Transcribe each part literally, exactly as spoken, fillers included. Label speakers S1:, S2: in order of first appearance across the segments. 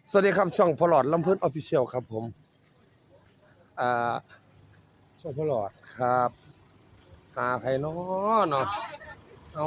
S1: สวัสดีครับช่องพลอดลำเพิ่นออฟฟิเชียลครับผมอ่าช่องพลอดครับหาไผน้อเนาะเอา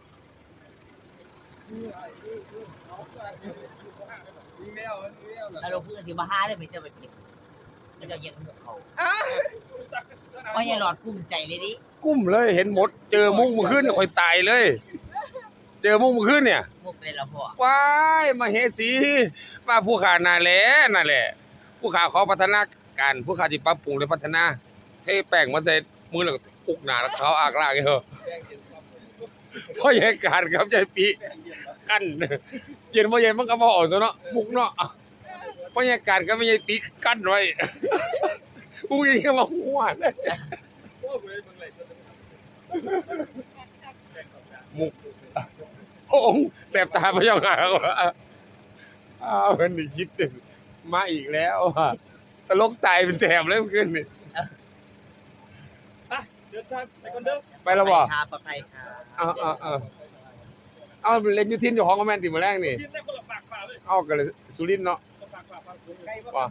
S2: แล้วเราพูดกันสิว่าห้าได้เป็นเจ้าไปผิดมันจะยังกับเขาว่าอย่าหลอดกุ้มใจเลยดิ
S1: กุ้มเลยเห็นหมดเจอมุ้งเมื่อคืนเนี่ยค่อยตายเลย เจอมุ้งเมื่อคืนเนี่ย
S2: มุกเลยละพ่อ
S1: ว้ายมาเฮสีมาผู้ขาน่าแหละนั่นแหละผู้ขาขอพัฒนาการผู้ขาที่ปรับปรุงและพัฒนาเทแป้งมาใส่มือแล้วก็ปุกหน้าแล้วเขาอากลากเหรอเพราะเหตุการณ์ครับใจปีกั้นเย็นบ่เย็นมันก็บ่ออกตัวเนาะมุกเนาะเพราะเหตุการณ์ก็ไม่ใช่ปีกั้นไว้กูยิงก็มาหัวเลยมุกโอ้โหแสบตาพะเจ้าค่ะอ้าวมันนี่คิดถึงมาอีกแล้วอ่ะตลกตายเป็นแถบเลยเมื่อคืนนี่เดินทางไปคนเดิมไปแล้วบ่
S2: ครับปลอดภัยครับ
S1: เอาเอาเอาเอาเล่นอยู่ทีมเจ้าของก็แม่นติมื้อแรกนี่ทีมได้คนละฝากฝากเลยเอากันเลยสุรินทร์เนาะฝากฝากฝากว่า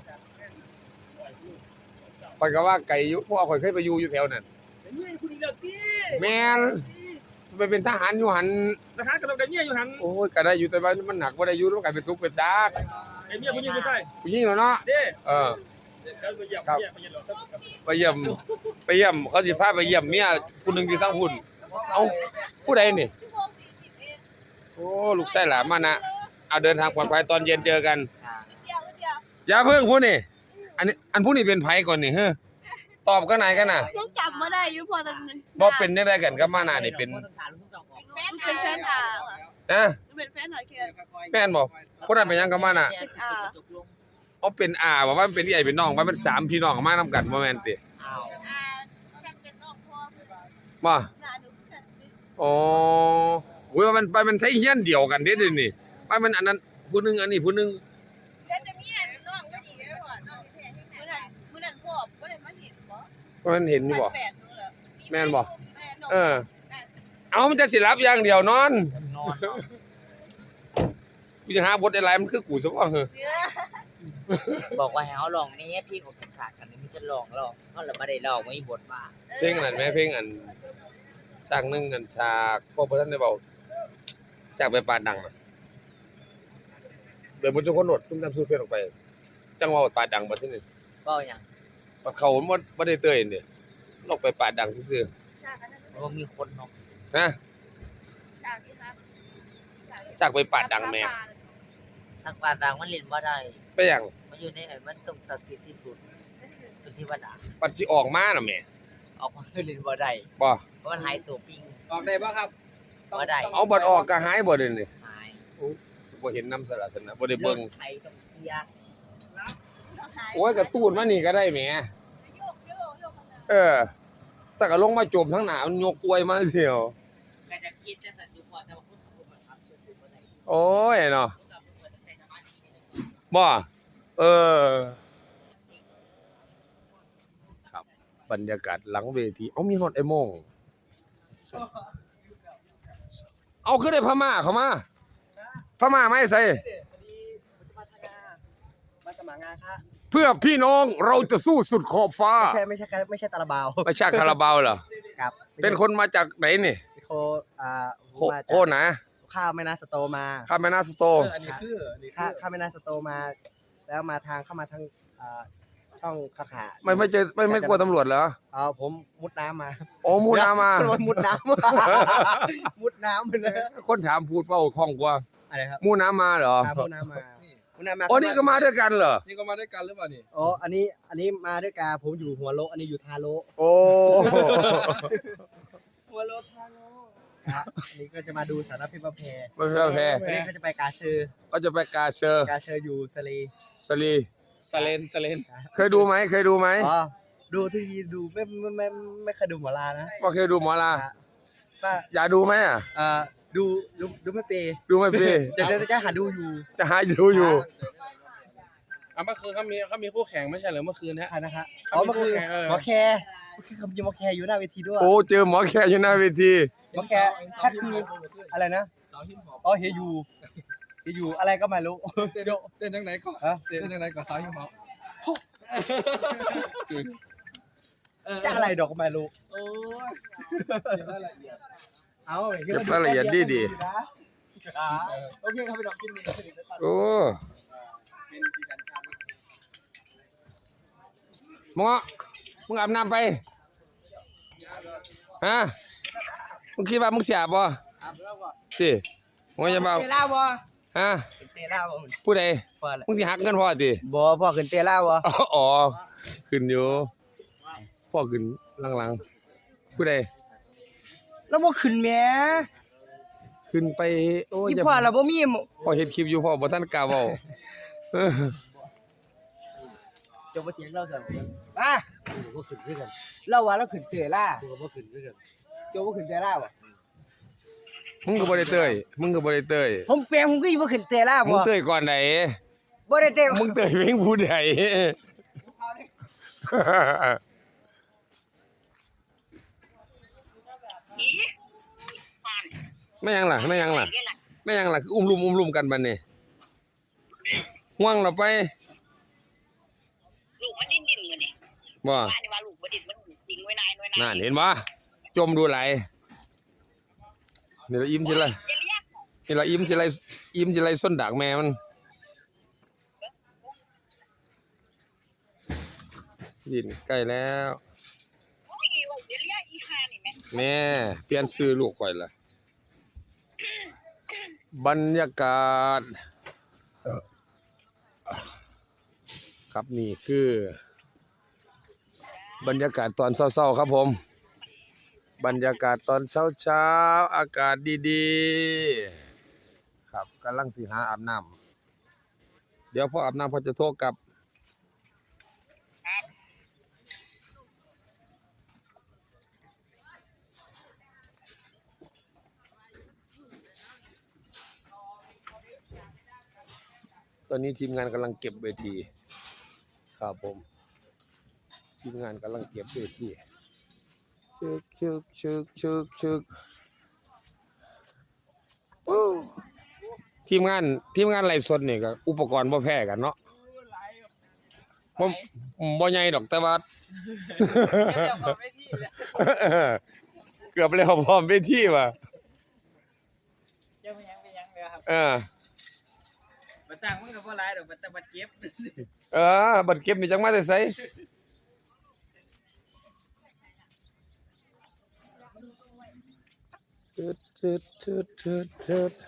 S1: ข่อยก็ว่าไก่อยู่เพราะว่าข่อยเคยไปอยู่อยู่แถวนั้นแม่นไปเป็นทหารอยู่หั่นทหารก็ต้องได้เมียอยู่หั่นโอ้ยก็ได้อยู่แต่ว่ามันหนักบ่ได้อยู่มันก็เป็นทุกข์เป็นตากไอ้เมียผู้หญิงผู้ชายผู้หญิงเนาะเด้เออครับไปเยี่ยมไปเยี่ยมเขาสิพาไปเยี่ยมเมียผู้นึงอยู่ทางพุ่นเอ้าผู้ใดนี่โอ้ลูกไส้หลานมานะเอาเดินทางปลอดภัยตอนเย็นเจอกันอย่าเพิ่งพูดนี่อันนี้อันพูดนี่เป็นไผก่อนนี่เฮ้อตอบกันไหนกันน่ะ
S3: ยังจับมาได้อยู่พอตอนนึง
S1: บ่เป็นจังได๋กันกับมานะนี่เป็น
S3: เป็นแฟนถา
S1: นะ
S3: เป็นแฟนหน่อยแค่
S1: แม่นบ่ผู้นั้นเป็นหยังกับมานะ
S3: เป็นอา
S1: อ๋อเป็นอาว่ามันเป็นใหญ่เป็นน้องว่ามันสามพี่น้องมานำกันบ่แม่นติ
S2: อ้าว
S3: อาแค่เป็นน้องพ่อ
S1: บ่
S3: หน้าหนูคือกัน
S1: อ๋อโอ้ยว่ามันไปมันใช้เฮียนเดียวกันเด้เดี๋ยวนี้ไปมันอันนั้นผู้นึงอันนี้ผู้นึง
S3: แล้วจะมีอันน้องก็อีกแล้วพ่อน้องแท้ที่ไหนมื้อนั้นมื้อนั้นพ่อบ่ได้มาเห็นบ่
S1: ว่ามันเห็นอยู่บ่
S3: แฟนหนูเหรอ
S1: แม่นบ่เออเอามันจะสิรับอย่างเดียวนอน
S2: นอน
S1: กูจะหาบทอะไรมันคือกูซะบ่เหรอ
S2: บอกว่าให้เขาลองนี่พี่ของกันศาสตร์กันนี่มันจะลองลองเขาเลยไม่ได้ลองไม่บทมา
S1: เพลงนั้นแม่เพลงอันสร้างหนึงอันฉากพ่อบ่ทันได้เว้าฉากไปปาดดังน่ะเดี๋ยวมันทุกคนโหลดตุ้มตามสูตรเพลงออกไป จังเว้าปาดดังบ่ที่นี่
S2: ก็อย่าง
S1: ปัดเขาบ่บ่ได้เตยนี่ลอกไปปาดดังซื่อ
S3: ฉากนั้น
S2: เพราะว่ามีคนเนาะ
S1: ๆนะ
S3: ฉากที่ครับ
S1: ฉากไปปาดดังแม่
S2: ทางปานดังมันเล่นว่าได้
S1: ไปหยัง
S2: มันอยู่ในไอ้มันต้องศักดิ์สิทธิ์ที่สุดเป็นที่วัดอ่ะ
S1: ปัดสิออกมาน่ะแม่
S2: ออกมาคือเล่นว่าได้
S1: บ่
S2: เพราะมันหายตัวปิง
S4: ออกได้ป่ะครับ
S2: ว่าได้
S1: เอาบัดออกก็หายบ่เด้นี่
S2: หาย
S1: บ่เห็นนำสารสนะบ่ได้เบิ่ง
S2: ไทยต้องเคลียร์
S1: โอ้ยกระตูนมานี่ก็ได้แหม
S3: โยกโยกโยก
S1: เออสักก็ลงมาจมทั้งหน้ามันยกอวยมาเสียว
S2: ก็จะคิดจะสัตว์อยู่พอแต่ว่าพูดกับพูดมันทำคือว่าได้
S1: โอ้ยเนาะ
S2: พูดกับพูดมันต้องใช้สมาธินิดนึง
S1: บ่เออครับบรรยากาศหลังเวทีเอ้ามีฮอดไอ้โมงเอาคือได้พม่าเข้ามาพม่าไม่ใส่
S4: พอดีพัฒนามาสมัครงานค่ะ
S1: เพื่อพี่น้องเราจะสู้สุดขอบฟ้า
S4: ไม่ใช่ไม่ใช่ไม่ใช่ตาลาบาว
S1: ไม่ใช่คาราบาวเหรอ
S4: ครับ
S1: เป็นคนมาจากไหนนี่
S4: โคอ่า
S1: โค
S4: มา
S1: โคนะ
S4: ข้าวแม่นาสโตมา
S1: ข้ามแม่น้ำสโต
S4: อันนี้คือข้าข้าวแม่นาสโตมา แล้วมาทางเข้ามาทางอ่าช่องขาขา
S1: ไม่ไม่เจอไม่ไม่กลัวตำรวจเหรอ
S4: เอาผมมุดน้ำมา
S1: โอ้มูนามา
S4: มุดน้ำ มุดน้ำไปเลย
S1: คนถามพูดเว่าคล่องกว่า
S4: อะไรครับ
S1: มูน้ำมาเหรอ
S4: อ่ามุดน้ำมามุดน้ำมา
S1: อ๋อนี่ก็มาด้วยกันเหรอ
S4: นี่ก็มาด้วยกันหรือเปล่านี่อ๋ออันนี้อันนี้มาด้วยกันผมอยู่หัวโลอันนี้อยู่ทาโล
S1: โอ้
S4: หัวโลทาโลครับอันนี้ก็จะมาดูสารพิษประเพ
S1: ไม่ใช่แพ้
S4: อันนี้เขาจะไปกาเซอร์
S1: ก็จะไปกาเชอร์
S4: กาเซอร์อยู่สลี
S1: สลี
S4: สเลนสเลน
S1: เคยดูไหมเคยดูไหม
S4: อ๋อดูที่ดูไม่ไม่ไม่ไม่เคยดูหมอลานะ
S1: ว่าเคยดูหมอลา
S4: ป้า
S1: อยากดูไหมอ่ะ
S4: เอ่อดูดูดูไม่เปย์
S1: ดูไหมพี่
S4: จะจะจะหาดูอยู่
S1: จะหาดูอยู่
S5: อ่ะเมื่อคืนเขามีเขามีคู่แข่งไม่ใช่เหรอเมื่อคืนเนี้ย
S4: อ่านะคะอ๋อ
S5: เขามี
S4: เมื่อคืน
S5: คู่แข่งเออ
S4: หมอแคร์เมื่อคืนเขามีหมอแคร์อยู่หน้าเวทีด้วย
S1: โอ้เจอหมอแขกอยู่หน้าเวที
S4: หมอแคร์แค่คืออะไรนะอ๋อเฮยูเฮอยู่อะไรก็ไม่รู้
S5: เต้นเต้นจังไหนก่อน
S4: ฮะ
S5: เต้นจังไหนก่อนสาวหิวเหา
S4: จะอะไรดอกก็ไม่รู้
S5: โอ้ย
S4: เอา
S1: เก็บรายละเอียดดีดี
S4: โอเคครับพี่ดอกกินดี
S1: โอ้หมอมึงอาบน้ำไปฮะมึงคิดว่ามึงเสียบ่สิมึงจะเบา
S4: เตล่าบ่
S1: ฮะ
S4: เตล่าบ่
S1: ผู้ใด
S4: พ่อแหละ
S1: มึงสิหักเงินพ่อติ
S4: บ่พ่อขึ้นเตล่าบ่
S1: อ๋ออ๋อขึ้นอยู่พ่อขึ้นหลังๆผู้ใด
S4: แล้วบ่ขึ้นแหม
S1: ขึ้นไปโอ้ย
S4: อี
S1: อย่า
S4: พ่อเราบ่มี
S1: พ่อเฮ็ดคลิปอยู่พ่อบ่ทันกล้าเว้าเออ
S4: จบบ่เถียงเราซั่นมาบ่ขึ้นคือกันเราว่าเราขึ้นเตล่าบ่ขึ้นคือกันจบบ่ขึ้นเตล่าบ่
S1: มึงก็บ่ได้เต้ยมึงก็บ่ได้เต้ย
S4: ผมแปลงผมก็บ่ขึ้นเตล่า
S1: มึ
S4: บ่
S1: งเต้ยก่อนไหน
S4: บ่ได้เต
S1: มึงเต้ยเพลงผู้ใดไม่ยังล่ะไม่ยังล่ะไม่ยังล่ะคืออุ้มลุมอุ้มลุมกันบัดนี้ห่วงเราไป
S6: ลูกมันดิ้นดิ้นมือนี่
S1: บ่
S6: ว่านี่ว่าลูกมันดิ้นมันจริงไว้นายไว้นาย
S1: นั่นเห็นบ่จมดูไหลนี่ละอิ่มสิล่ะ
S6: จะเรียก
S1: นี่ละอิ่มสิไรอิ่มสิไรส้นดากแม่มันยินใกล้แล้ว
S6: โอ้ยว่าจะเรียกอีคานี่แม่
S1: แม่เปลี่ยนชื่อลูกข่อยละบรรยากาศครับนี่คือบรรยากาศตอนเช้าๆครับผมบรรยากาศตอนเช้าๆอากาศดีๆครับกำลังสิหาอาบน้ำเดี๋ยวพออาบน้ำพอจะโทรกลับตอนนี้ทีมงานกำลังเก็บเวทีครับผมทีมงานกำลังเก็บเวทีชึกชึกชึกชึกชึกโอ้ทีมงานทีมงานไลฟ์สดนี่ก็อุปกรณ์บ่แพ้กันเนาะบ่บ่ใหญ่ดอกแต่ว่า เกือบแล้วพร้อมเวทีว่ะ
S2: ยังยังยังเลยครับ
S1: เออ
S2: บัตรต่างมันก็บ่หลายดอกบัตรบัตรเก็บ
S1: เออบัตรเก็บนี่จังมาแต่ไสเชิดเชิดเชิดเชิดเชิด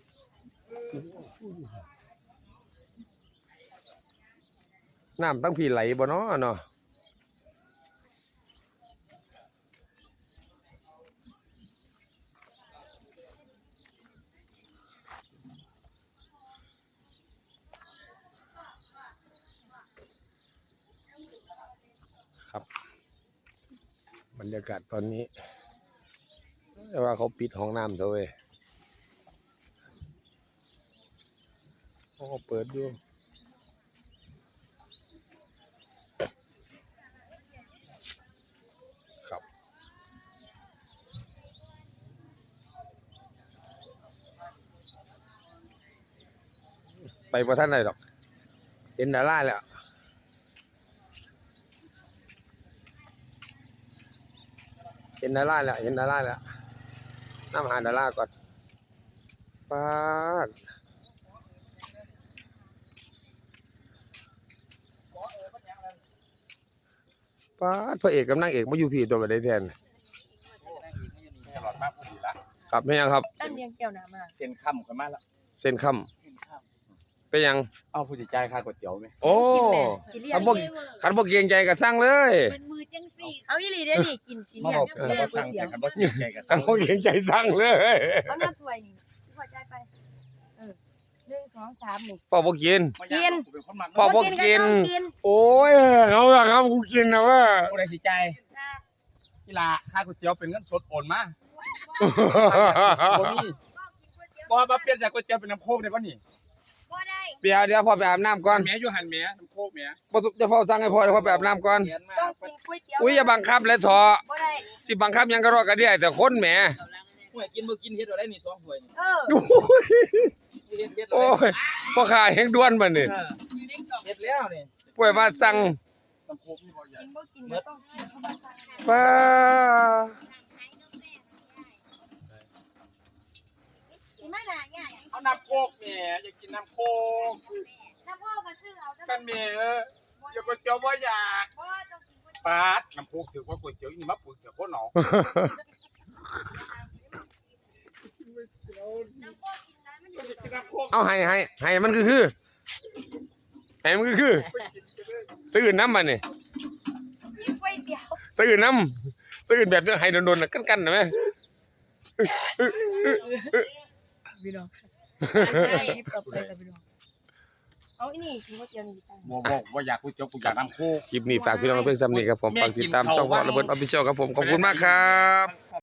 S1: น้ำตั้งพี่ไหลบ่เนาะเนาะครับบรรยากาศตอนนี้แต่ว่าเขาปิดห้องน้ำเถอะเว้ยเขาก็เปิดอยู่ครับไปบ่ทันได้ดอกเห็นดาราแล้วเห็นดาราแล้วเห็นดาราแล้วน้ำหาดาราก่อนปาดปาดพระเอกกับนางเอกมาอยู่พี่ตัวไปได้แทนครับไม่ยังครับ
S3: ตั้งเลี้ยงแก้วน้ำมา
S5: เส้นค่ำกันมาแล้ว
S1: เส้นค่ำเป็นยัง
S5: เอาผู้จัดการค่าก๋วยเตี๋ยวไหม
S1: โอ้
S3: สิเลีย
S1: ขันบ่ขันบ่เกรงใจก็สั่งเลย
S3: เป็นมือจังสี่เอาอีหลีเด้อนี่กินสิ
S5: มา
S3: เลีย
S5: บอก
S3: จัง
S5: เออ
S3: สี่
S5: ว่าสั่งแต่กันบ่จริงใจกับ
S1: ขั
S5: สั่
S1: น
S5: ง
S1: บ่เกรงใจสั่งเลย
S3: เอาหน้าถ้วยนี่พอใจไปเออหนึ่งสองสามนี่
S1: พ่อบ่กิน
S3: กิน
S5: เป็นคนมัก
S1: พ่อบ่กิน
S3: กิน
S1: โอ้ยเอาล่ะครับกูกินนะว่า
S5: ผู้ใดสิใจาย
S3: นะ
S5: กีฬาค่าก๋วยเตี๋ยวเป็นเงินสดโอนมาบ่มีบ่มาเปลี่ยนจากก๋วยเตี๋ยวเป็นน้ำโคกได้บ่นี่
S3: บ่ได้
S1: เดี๋ยวเดี๋ยวพ่อไปอาบน้ำก่อน
S5: แม่อยู่หันแม่น้ำโคกแม่
S1: บ่จะเฝ้าสั่งให้พ่อเดี๋ยวพ่อไปอาบน้ำก่อน
S5: เขียนมา
S3: ต้องกินก๋วยเตี๋ยว
S1: อุ้ยอย่าบังคับเลยเถอะ
S3: บ่ได้
S1: สิบังคับหยังก็รอกันได้แต่คนแหม
S2: ผู้ใดกินบ่กินเฮ็ดเอาได้นี่สองถ้วยนี่
S3: เออ
S2: เฮ็ดเฮ็ด
S1: โอ้ยพ่อค้าแห่งด่วนบัดนี้
S3: อยู่ในกล่อง
S4: เฮ็ดแล้วนี่
S1: ป่วยว่าสั่ง
S3: กินบ่กินก็ต้องกินเข้ามา
S1: ป้า
S3: สิมาหน้าใหญ่
S5: เอาน้ำโคกแหม่อยากกินน้ำโคก
S3: น้ำพ่อก็ซื้อเอา
S5: กันแหม่อยากก๋วยเตี๋ยวบ่อยาก
S3: พ่อต้องกินก๋วย
S5: ปาดน้ำโคกถือว่าก๋วยเตี๋ยวนี่มาปึกเดี๋ยวโคตรหนอ
S3: น้ำพ่อกินนั้นมันอยู่
S5: กินน้ำโคก
S1: เอาให้ให้ให้มันคือคือให้มันคือคือซื้อน้ำบัดนี้
S3: กินก๋วยเตี๋ยว
S1: ซื้อน้ำซื้อแบบให้โดนๆน่ะกันๆน่ะแม่
S3: พี่น้องต่อไปกับพี่น้องเอาอีนี่กินก๋วยเตี๋ยวนี่ตั้ง
S5: บ่บ่บ่อยากก๋วยเตี๋ยวกูอยากน้ำโคก
S1: คลิปนี้ฝากพี่น้องเพื่อนซ้ำนี่ครับผมฝากติดตามช่องพ่อระเบิดออฟฟิเชียลครับผมขอบคุณมากครับ